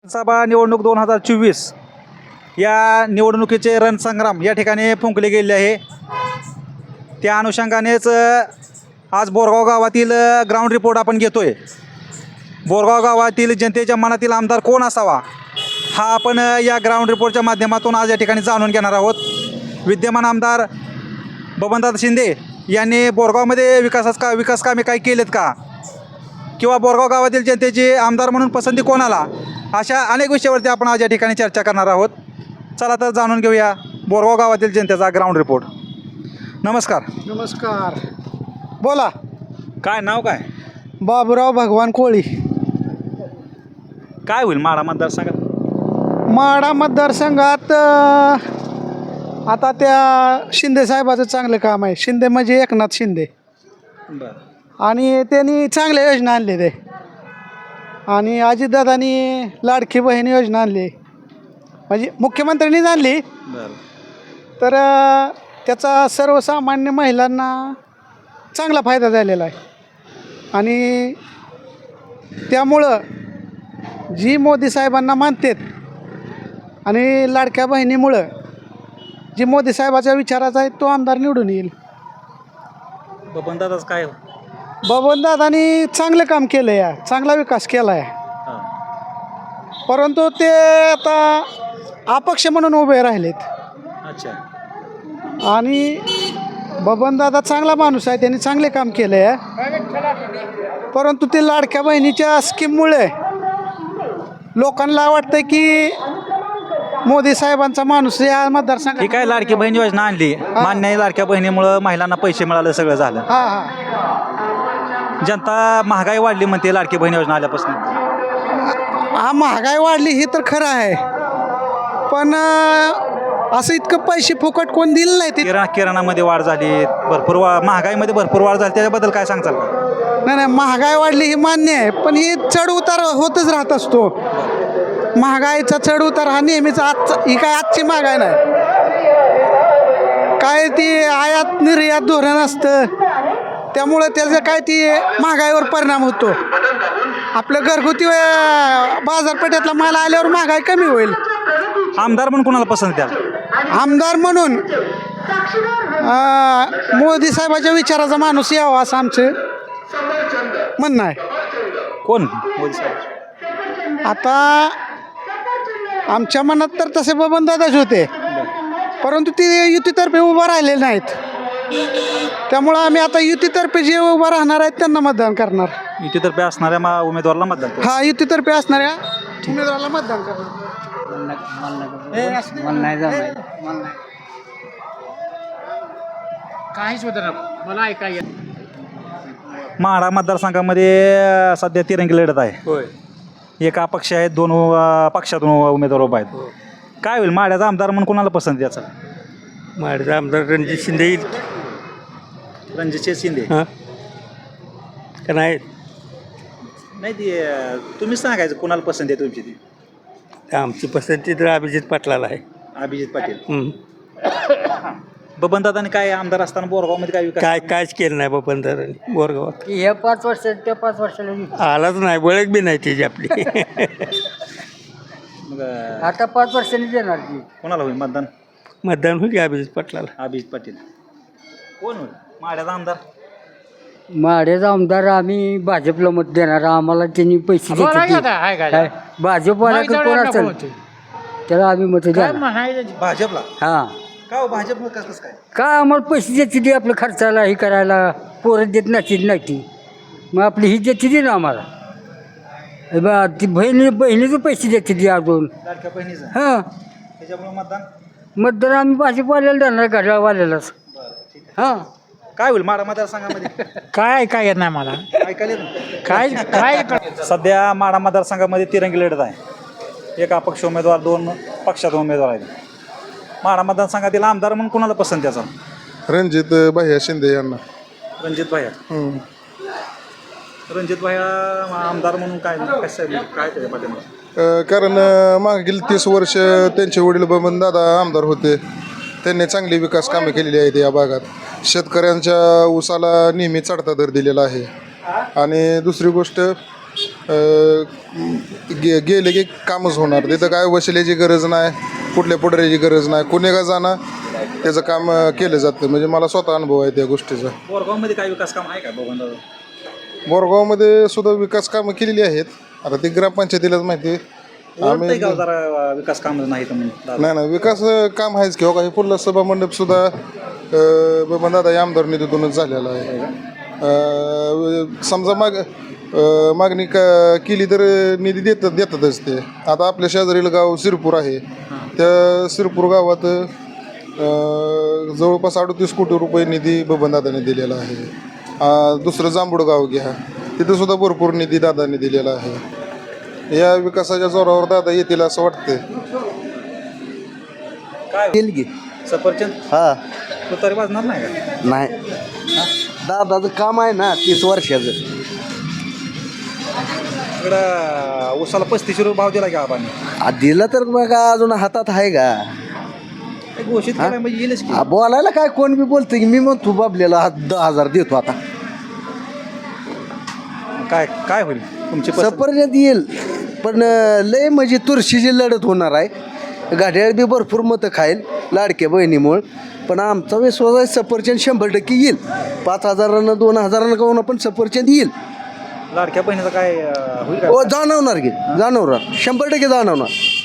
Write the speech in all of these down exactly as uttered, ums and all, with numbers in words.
विधानसभा निवडणूक दोन हजार चोवीस या निवडणुकीचे रणसंग्राम या ठिकाणी फुंकले गेले आहे. त्या अनुषंगानेच आज बोरगाव गावातील ग्राउंड रिपोर्ट आपण घेतोय. बोरगाव गावातील जनतेच्या मनातील आमदार कोण असावा हा आपण या ग्राउंड रिपोर्टच्या माध्यमातून आज या ठिकाणी जाणून घेणार आहोत. विद्यमान आमदार बबनदादा शिंदे यांनी बोरगावमध्ये विकासास का विकास कामे काही केलेत का, किंवा बोरगाव गावातील जनतेची आमदार म्हणून पसंती कोणाला, अशा अनेक विषयावरती आपण आज या ठिकाणी चर्चा करणार आहोत. चला तर जाणून घेऊया बोरगाव गावातील जनतेचा ग्राउंड रिपोर्ट. नमस्कार. नमस्कार. बोला. काय नाव काय? बाबूराव भगवान कोळी. काय होईल माडा मतदारसंघात? माढा मतदारसंघात अ, आता त्या शिंदे साहेबाचं चांगलं काम आहे. शिंदे म्हणजे एकनाथ शिंदे, बरं. आणि त्यांनी चांगल्या योजना आणले ते. आणि अजितदादांनी लाडकी बहीण योजना आणली, म्हणजे मुख्यमंत्र्यांनीच आणली. बरं. तर अ, त्याचा सर्वसामान्य महिलांना चांगला फायदा झालेला आहे. आणि त्यामुळं जी मोदी साहेबांना मानतात आणि लाडक्या बहिणीमुळं जी मोदी साहेबाच्या विचाराचा आहे तो आमदार निवडून येईल. बबनदादाच काय हो? बबनदादांनी चांगलं काम केलं आहे, चांगला विकास केला आहे. हां. परंतु ते आता अपक्ष म्हणून उभे राहिलेत. अच्छा. आणि बबनदादा चांगला माणूस आहे, त्यांनी चांगले काम केलं आहे. परंतु ते लाडक्या बहिणीच्या स्कीममुळे लोकांना वाटतं की मोदी साहेबांचा माणूस या मतदारसंघात. ही काय लाडकी बहीण योजना आणली, मान्य आहे. लाडक्या बहिणीमुळं महिलांना पैसे मिळाले, सगळं झालं. हां हां जनता महागाई वाढली म्हणते लाडकी बहीण योजना आल्यापासून. हा, महागाई वाढली हे तर खरं आहे, पण अं, असं इतकं पैसे फुकट कोण दिलं नाही ते. किराणा किराणामध्ये वाढ झाली, भरपूर वा महागाईमध्ये भरपूर वाढ झाली, त्याच्याबद्दल काय सांगचाल का? नाही नाही, महागाई वाढली ही मान्य आहे, पण ही चढ उतार होतच राहत असतो. महागाईचा चढ उतार हा नेहमीचा. आजचा ही काय आजची महागाई नाही, काय ती आयात निर्यात धोरण असतं, त्यामुळं त्याचं काय ती महागाईवर परिणाम होतो. आपलं घरगुती अं, बाजारपेठेतला माल आल्यावर महागाई कमी होईल. आमदार म्हणून कोणाला पसंत द्याल? आमदार म्हणून अं, मोदी साहेबाच्या विचाराचा माणूस यावा असं आमचं म्हणणं आहे. कोण? मोदी साहेब. आता आमच्या मनात तर तसे बबनदादाच होते, परंतु ते युतीतर्फे उभं राहिलेले नाहीत. त्यामुळं आम्ही आता युतीतर्फे जे उभं राहणार आहेत त्यांना मतदान करणार. युतीतर्फे असणाऱ्या मा उमेदवाराला मतदान करू. हा, युतीतर्फे असणाऱ्या उमेदवाराला मतदान करणार. काहीच होतं ना, मला ऐकाय येत. माढा मतदारसंघामध्ये अं, सध्या तिरंगी लढत आहे. होय. एक अपक्ष आहेत, दोन अं, पक्षातून उमेदवार उभा आहेत. काय होईल माढ्याचा आमदार म्हणून कोणाला पसंत द्यायचा? माझा आमदार रणजित शिंदे येईल. रणजित शिंदे. हां, का नाही? नाही, ती अं, तुम्हीच सांगायचं कोणाला पसंत आहे तुमची. ती आमची पसंती तर अभिजित पाटलाला आहे. अभिजित पाटील. हं. बबनदादाने काय आमदार असताना बोरगावमध्ये काय विकास? काय कायच केलं नाही बबनदारांनी बोरगावात. हे पाच वर्ष त्या पाच वर्षाला आलाच नाही, बळक बी नाही त्याची आपली. मग अं, आता पाच वर्षांनी देणार की. कोणाला होईल मतदान? मतदान होईल की अभिजित पाटलाला. अभिजित पाटील. कोण होईल माढ्याचा आमदार? माड्याचा आमदार आम्ही भाजपला मत देणार. आम्हाला त्यांनी पैसे देते. काय भाजपवाला कोण असेल त्याला आम्ही मत देणार. भाजपला. हां, का हो भाजप कसं कसं काय? काय आम्हाला पैसे देते ते आपलं खर्चाला हे करायला. पोरं देत नाही नाही ती, मग आपली ही देते ती ना आम्हाला. हे बा ती बहिणी बहिणीचं पैसे देते ती अजून. लाडक्या बहिणीचं. हां, त्याच्यामुळे मतदान. मतदान आम्ही भाजपवाल्याला देणार, घड्याळवाल्यालाच. हां, काय होईल माढा मतदारसंघामध्ये? काय काय येत नाही मला. ऐकायला येतं ना? काय काय सध्या माढा मतदारसंघामध्ये तिरंगी लढत आहे. एक अपक्ष उमेदवार, दोन पक्षातून उमेदवार आहेत. माढा मतदारसंघातील आमदार म्हणून कोणाला पसंत द्यायचा? रणजित भैया शिंदे यांना. रणजित भाया. हम्म. रणजित भाया आमदार म्हणून काय कसं आहे, काय त्याच्या पाठीमागे? अ, कारण अ, मागील तीस वर्ष त्यांचे वडील बबनदादा आमदार होते. त्यांनी चांगली विकास कामे केलेली आहेत या भागात. शेतकऱ्यांच्या ऊसाला नेहमी चढता दर दिलेला आहे. आणि दुसरी गोष्ट अं, गे गेले की कामच होणार. तिथं काय वशिल्याची गरज नाही, कुठल्या पुढाऱ्याची गरज नाही, कुणी का जाणं त्याचं काम अं, केलं जातं. म्हणजे मला स्वतः अनुभव आहे त्या गोष्टीचा. बोरगावमध्ये काय विकास काम आहे का बघून बोरगावमध्ये सुद्धा विकास कामं केलेली आहेत. आता ती ग्रामपंचायतीलाच माहिती. आम्ही गाव जरा विकास काम नाही तर म्हणून नाही नाही विकास अं, काम आहेच किंवा काही पुढला सभा मंडप सुद्धा बबन दादा या आमदार निधीतूनच झालेला आहे. अं, समजा माग अं, मागणी का केली तर निधी देतात देतातच ते. आता आपल्या शेजारील गाव सिरपूर आहे, त्या सिरपूर गावात अं, जवळपास अडतीस कोटी रुपये निधी बबन दादाने दिलेला आहे. अं, दुसरं जांभूड गाव घ्या, तिथं सुद्धा भरपूर निधी दादाने दिलेला आहे. या विकासाच्या जोरावर दादा येतील असं वाटतंय. काय सफरचंद हा तो तरी वाजणार नाही का? नाही दादाचं काम आहे ना तीस वर्षाचं. इकडं उसाला पस्तीस रुपये भाव दिला का आपण आ, दिलं तर मग अजून हातात आहे का? घोषित केलं म्हणजे येईलच की. आ, बोलायला काय कोण बी बोलतं की मी म्हणतो बाबलेला हा दहा हजार देतो आता. काय काय होईल तुमची पसंत? सफरचंद येईल पण अं, लय म्हणजे तुळशीची लढत होणार आहे. गाड्याला बी भरपूर मतं खाईल लाडक्या बहिणीमुळं. पण आमचा विश्वास आहे सफरचंद शंभर टक्के येईल. पाच हजारानं दोन हजारानं काहून पण सफरचंद येईल. लाडक्या बहिणीचं काय अं, होईल हो का? जाणवणार की जाणवणार शंभर टक्के जाणवणार.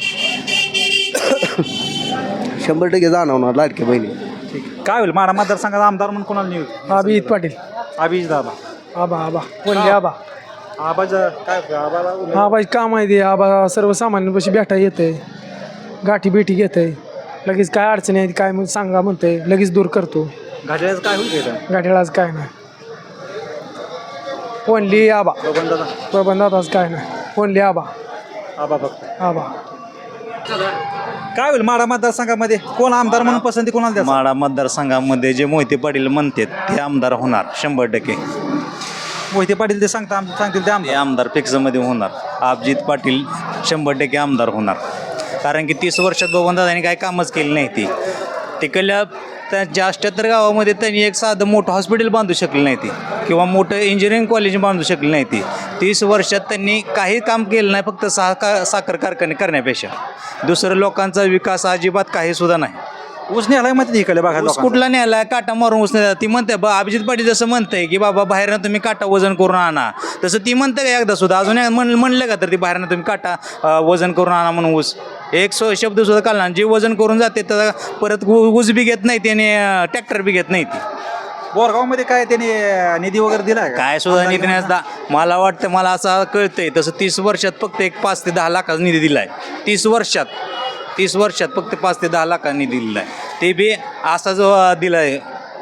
शंभर टक्के जाणवणार लाडक्या बहिणी. ठीक. काय होईल माडा मतदारसंघाचा आमदार म्हणून कोणाला निवड? अभिजित पाटील. अभिजित दादा. आबा आबा बोलले आबा. आबाज काय आबाला उमेदवार- आबा काम आहे ते. आबा सर्वसामान्यांपाशी भेटा येते, गाठी भेटी घेते, लगेच काय अडचणी आहेत काय मग सांगा म्हणते, लगेच दूर करतो. घड्याळाचं काय होईल इथं? गाठीलाच काय नाही. ओनली आबा. बबन दादा प्रबंधातच काय नाही. ओनली आबा आबा फक्त. आबा. काय होईल माडा मतदारसंघामध्ये कोण आमदार म्हणून पसंती कोणाला द्यायचं? माडा मतदारसंघामध्ये जे मोहिते पाटील म्हणतात ते आमदार होणार शंभर टक्के. मोहिते पाटील ते सांगता सांगतील ते ते आमदार. आमदार फिक्समध्ये होणार. अभिजित पाटील शंभर टक्के आमदार होणार. कारण की तीस वर्षात बबनदादांनी काही कामच केली नाही. ती तिकडल्या त्यांच्या अठ्ठ्याहत्तर गावामध्ये त्यांनी एक साधं मोठं हॉस्पिटल बांधू शकले नाही ती किंवा मोठं इंजिनिअरिंग कॉलेज बांधू शकले नाही ती. तीस वर्षात त्यांनी काही काम केलं नाही फक्त सहा का साखर कारखाने करण्यापेक्षा. दुसरं लोकांचा विकास अजिबात काही सुद्धा नाही. ऊस न्यायला माहिती इकडे बघा ऊस लोकांना. कुठला न्यायला काटा मारून ऊस नाही. ती म्हणते बा अभिजित पाटील जसं म्हणतंय की बाबा बाहेरनं तुम्ही काटा वजन करून आणा, तसं ती म्हणते का एकदा सुद्धा अजून एक म्हण म्हणलं का तर ती बाहेरनं तुम्ही काटा अं, वजन करून आणा म्हणून ऊस एक सो शब्द सुद्धा काढला. जे वजन करून जाते तर परत ऊ- ऊस बी घेत नाही त्याने ट्रॅक्टर बी घेत नाही ती. बोरगावमध्ये काय त्यांनी निधी वगैरे दिला का? काय सुद्धा निधी नाही. दा- मला वाटतं मला असं कळतंय तसं तीस वर्षात फक्त एक पाच ते दहा लाखाचा निधी दिला आहे. तीस वर्षात तीस वर्षात फक्त पाच ते दहा लाखाचा निधी दिला आहे. ते बी असा जो दिला आहे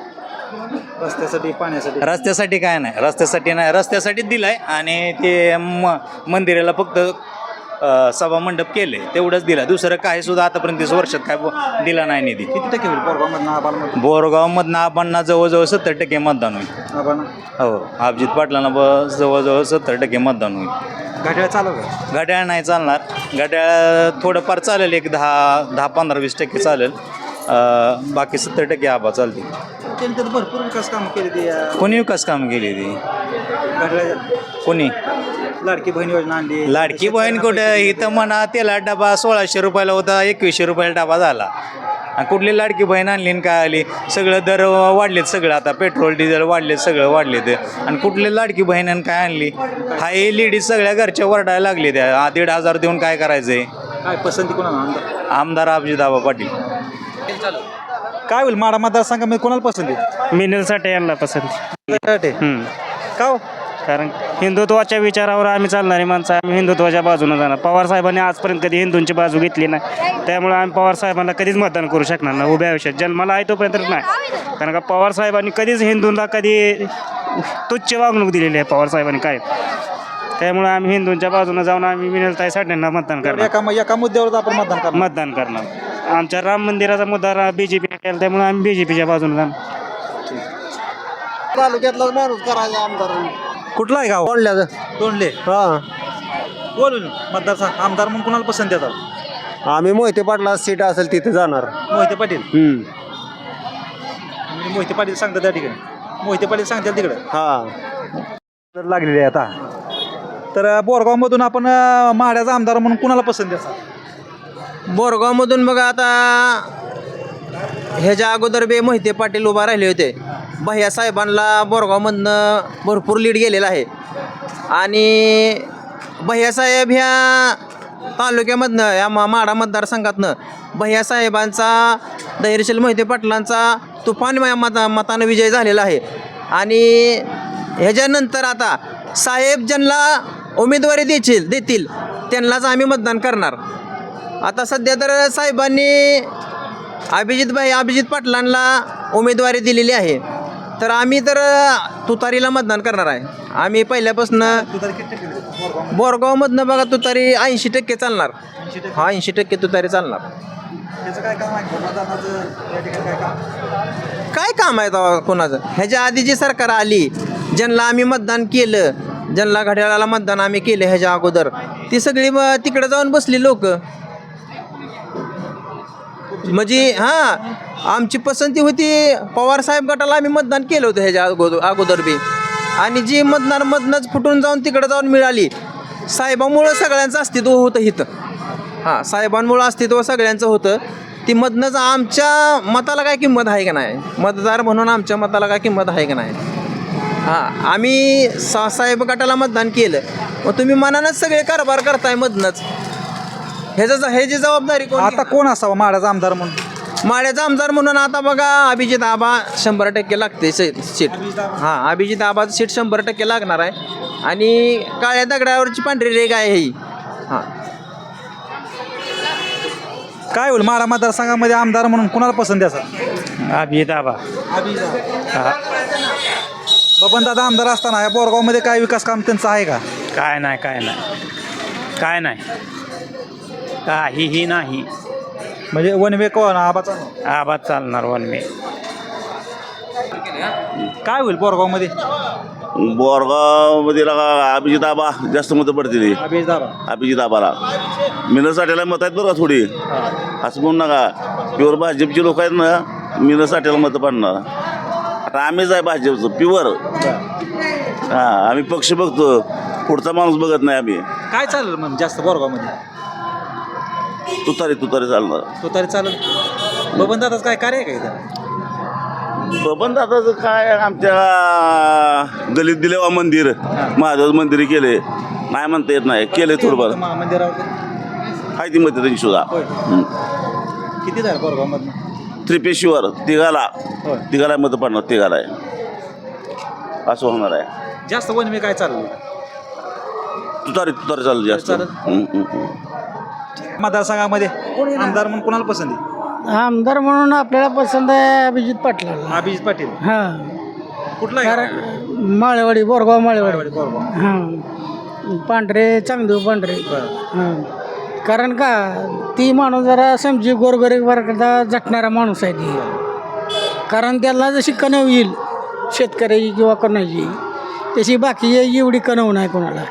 रस्त्यासाठी पाण्यासाठी. रस्त्यासाठी काय नाही. रस्त्यासाठी नाही रस्त्यासाठीच दिला आहे आणि ते म मंदिराला फक्त अ, सभा मंडप केले तेवढंच दिलं. दुसरं काही सुद्धा आतापर्यंत तीस वर्षात काय ब- दिला नाही निधी. किती टक्के होईल बोरगावमधनं आबाला? बोरगावमधनं आबांना जवळजवळ सत्तर टक्के मतदान होईल. आबाला हो अभिजित पाटलांना ब जवळजवळ सत्तर टक्के मतदान होईल. घड्याळ चालू का? घड्याळ नाही चालणार. घड्याळ थोडंफार चालेल एक दहा दहा पंधरा वीस टक्के चालेल. अ, बाकी सत्तर टक्के आबा चालतील. त्यांनी तर भरपूर विकास काम केले ते अं, कोणी विकास काम केली ती घड्याळ कोणी लाडकी बहीण योजना आणली. लाडकी बहीण कुठं इथं म्हणा तेला डबा सोळाशे रुपयाला होता एकवीसशे रुपयाला डबा झाला. आणि कुठली लाडकी बहीण आणली आणि काय आली. सगळं दर वाढलेत सगळं. आता पेट्रोल डिझेल वाढलेत सगळं वाढलेत. आणि कुठली लाडकी बहीण आणि काय आणली. हा हे लेडीज सगळ्या घरच्या वरडायला लागले त्या दीड हजार देऊन काय करायचंय. काय पसंती कोणाला आमदार? आमदार अभिजितआबा पाटील. काय होईल माडा मतदारसंघामध्ये कोणाला पसंती? मिनलसाठी यांना पसंती. का हो? कारण हिंदुत्वाच्या विचारावर आम्ही चालणारी माणसं. आम्ही हिंदुत्वाच्या बाजूने जाणार. पवार साहेबांनी आजपर्यंत कधी हिंदूंची बाजू घेतली नाही. त्यामुळे आम्ही पवार साहेबांना कधीच मतदान करू शकणार नाही. उभ्या आयुष्यात जन्माला आहे तोपर्यंत नाही. कारण का पवार साहेबांनी कधीच हिंदूंना कधी तुच्छ वागणूक दिलेली आहे पवार साहेबांनी काय. त्यामुळे आम्ही हिंदूंच्या बाजूने जाऊन आम्ही मिनलताई साठ्यांना मतदान करणार. एका एका मुद्द्यावर आपण मतदान करणार. मतदान करणार. आमच्या राम मंदिराचा मुद्दा बी जे पी केला त्यामुळे आम्ही बी जे पीच्या बाजूने जाणार. तालुक्यातला माणूस करायचा आमदार. कुठला आहे गाव? कोणल्याचं तोंडले. हां बोलून मतदारसंघ आमदार म्हणून कोणाला पसंत येतात? आम्ही मोहिते पाटला सीट असेल तिथे जाणार. मोहिते पाटील. हम्म. म्हणजे मोहिते पाटील सांगतात त्या ठिकाणी. मोहिते पाटील सांगतात तिकडे हां लागलेली आहे आता. तर अ, बोरगावमधून आपण अ, माढ्याचा आमदार म्हणून कुणाला पसंत द्याल? बोरगावमधून बघा आता ह्याच्या अगोदर बे मोहिते पाटील उभा राहिले होते. भैया साहेबांना बोरगावमधनं भरपूर लीड गेलेला आहे आणि भैयासाहेब ह्या तालुक्यामधनं या मा माढा मतदारसंघातनं भैयासाहेबांचा धैर्यशील मोहिते पाटलांचा तुफान मता मतानं विजय झालेला आहे आणि ह्याच्यानंतर आता साहेब ज्यांना उमेदवारी देतील देतील त्यांनाच आम्ही मतदान करणार. आता सध्या तर साहेबांनी अभिजित भाई अभिजित पाटलांना उमेदवारी दिलेली आहे तर आम्ही तर तुतारीला मतदान करणार आहे. आम्ही पहिल्यापासून बोरगावमधनं बघा तुतारी ऐंशी टक्के चालणार. हा ऐंशी टक्के तुतारी चालणार. काय काम आहे तेव्हा कोणाचं? ह्याच्या आधी जी सरकार आली ज्यांना आम्ही मतदान केलं, ज्यांना घड्याळाला मतदान आम्ही केलं ह्याच्या अगोदर, ती सगळी मग तिकडे जाऊन बसली लोक. म्हणजे हां आमची पसंती होती पवारसाहेब गटाला आम्ही मतदान केलं होतं ह्याच्या अगोदर अगोदर बी आणि जी मतदान मधनंच फुटून जाऊन तिकडं जाऊन मिळाली साहेबांमुळं सगळ्यांचं अस्तित्व होतं इथं. हां साहेबांमुळं अस्तित्व सगळ्यांचं होतं. ती मधनंच आमच्या मताला काय किंमत आहे का नाही? मतदार म्हणून आमच्या मताला काय किंमत आहे का नाही? हां आम्ही सा साहेब गटाला मतदान केलं मग तुम्ही मनानंच सगळे कारभार करताय मधनंच. ह्याचं ह्याची जबाबदारी कोण? आता कोण असावा माढ्याचा आमदार म्हणून? माड्याचा आमदार म्हणून आता बघा अभिजित आबा शंभर टक्के लागते सीट सीट हां अभिजित आबाचं सीट शंभर टक्के लागणार आहे आणि काळ्या दगडावरची पांढरी रेग आहे ही. हां काय होईल माढा मतदारसंघामध्ये आमदार म्हणून कुणाला पसंत द्यायचा? अभिजित आबा. बबन दादा आमदार असताना या बोरगावमध्ये काय विकास काम त्यांचं आहे का? काय नाही काय नाही काय नाही काहीही नाही. म्हणजे वन वे कोण आबाचा? आबाद चालणार वन मे. काय होईल बोरगावमध्ये? बोरगावमध्ये लगा अभिजित आबा जास्त मतं पडतील. अभिजित दादा अभिजित आबाला मिनसाठ्याला मत आहेत बरं का थोडी, असं म्हणू नका. प्युअर भाजपची लोक आहेत ना मिनसाठ्याला मतं पडणार. आता आम्हीच आहे भाजपचं प्युअर. हां आम्ही पक्ष बघतो पुढचा माणूस बघत नाही आम्ही. काय चालेल मग जास्त बोरगावमध्ये? तुतारी तुतारी चालणार. तो तरी चालेल. बबन दादाच काय कार्य आहे का इथं? बबन दादाचं काय आमच्या दलित दिलेवा मंदिर महादेव मंदिर केले नाही म्हणता येत नाही केले थोडंफार मा- मंदिरावर हाय ती मतं त्यांची सुद्धा. होय. किती झालं बोरगावमधनं? त्रिपेशीवर तिघाला होय. तिघाला मतं पडणार तिघाला आहे असं होणार आहे. जास्त वन वे काय चाललं? तुतारी तुतारी चालू जास्त. चालेल. हम्म, हम्म, हम्म. मतदारसंघामध्ये आमदार म्हणून कुणाला पसंत आहे? आमदार म्हणून आपल्याला पसंत आहे अभिजित पाटलाला. अभिजित पाटील. हां कुठला आहे? कारण माळेवाडी बोरगाव माळेवाडी. बोरगाव. हां पांढरे चांगदेव पांढरे. बरं. हां कारण का ती माणूस जरा समजी गोरगरीब वर्गाचा झटणारा माणूस आहे ती. कारण त्याला जशी कणव येईल शेतकऱ्याची किंवा कोणाची तशी बाकी एवढी कणव नाही कोणाला.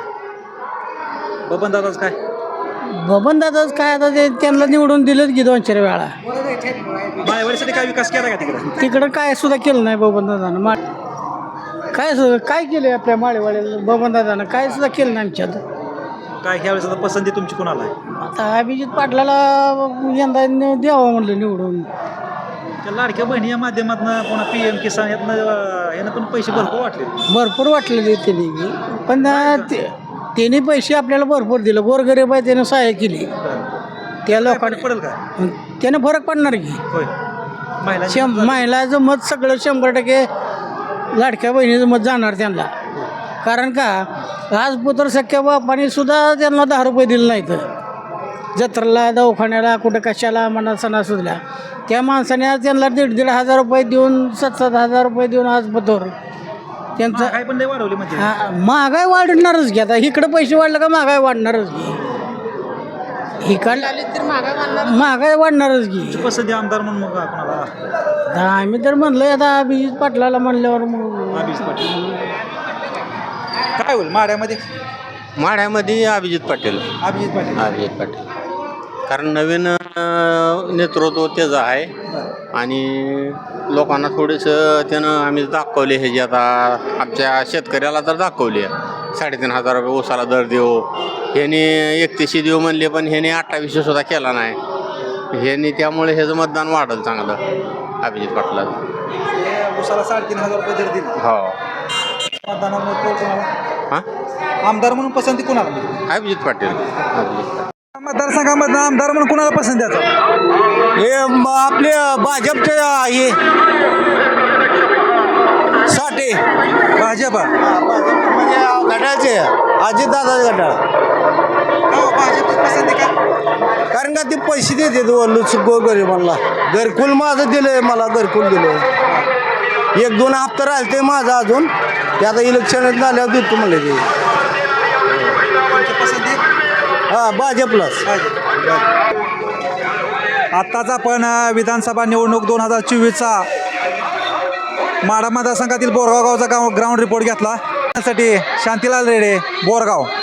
बबन दादाच काय? बबन दादाच काय आता ते त्यांना निवडून दिलंच की दोन चार वेळा. माळेवाडीसाठी काय विकास केला का तिकडे? तिकडं काय सुद्धा केलं नाही बबन दादानं. मा काय सुद्धा काय केलं आपल्या माळेवाड्याला बबन दादानं? काय सुद्धा केलं नाही आमच्यात. काय ह्यावेळेस आता पसंती तुमची कुणाला आहे? आता अभिजित पाटलाला यंदा नि- द्यावं म्हणलं निवडून. त्या लाडक्या बहिणी या माध्यमातून पुन्हा पी एम किसान यातनं अं, यानं पण पैसे भरपूर वाटले. भरपूर वाटलेले त्यांनी बी. पण ते- त्यांनी पैसे आपल्याला भरपूर दिलं. गोरगरीब आहे त्यानं सहाय्य केली त्या लोकांना. पडेल का? त्यानं फरक पडणार की. होय. महिला शं महिलाचं मत सगळं शंभर टक्के लाडक्या बहिणीचं मत जाणार त्यांना. कारण का आज पुत्र सख्या बापाने सुद्धा त्यांना दहा रुपये दिले नाहीत जत्रेला दवाखान्याला कुठं कशाला म्हणा सणासुदला. त्या माणसाने आज त्यांना दीड दीड हजार रुपये देऊन सात सात हजार रुपये देऊन आज पतोर त्यांचं. काय पण लय वाढवली म्हणजे. हा महागाई वाढणारच की. आता इकडं पैसे वाढलं का महागाई वाढणारच की. इकडं महागाई वाढणारच की. पसंती आमदार म्हणून मग कोणाला? आता आम्ही तर म्हणलं आता अभिजित पाटलाला म्हणल्यावर मग अभिजित पाटील. काय होईल माढ्यामध्ये? माढ्यामध्ये अभिजित पाटील. अभिजित पाटील. अभिजित पाटील कारण नवीन अं, नेतृत्व त्याचं आहे आणि लोकांना थोडंसं त्यानं आम्ही दाखवले हे जे आता आमच्या शेतकऱ्याला तर दाखवले साडेतीन हजार रुपये ऊसाला दर देऊ, ह्याने एकतीसशे देऊ म्हणले पण ह्याने अठ्ठावीसशे सुद्धा केला नाही. ह्याने त्यामुळे ह्याचं मतदान वाढलं चांगलं अभिजित पाटला. उसाला साडेतीन हजार रुपये दर दिला. हो मतदानामध्ये तो कोणाला? हां आमदार म्हणून पसंती कुणाला? अभिजित पाटील अभिजित मतदारसंघामधनं आमदार म्हणून कुणाला पसंत द्यायचा? हे आपले भाजपचे हे साठे भाजप. म्हणजे गटाचे अजितदादा गटाळ. का हो, भाजपची पसंती का? कारण का ते पैसे देते गोरगरिबांना. घरकुल माझं दिलंय, मला घरकुल दिलं. एक दोन हप्ता राहिले ते माझं अजून, ते आता इलेक्शन झाल्यावर देतो म्हणले ते. पसंती हा भाजपलाच. आत्ताच आपण अ, विधानसभा निवडणूक दोन हजार चोवीसचा माढा मतदारसंघातील बोरगाव गावचा गाव ग्राउंड रिपोर्ट घेतला. त्यासाठी शांतीलाल रेडे, बोरगाव.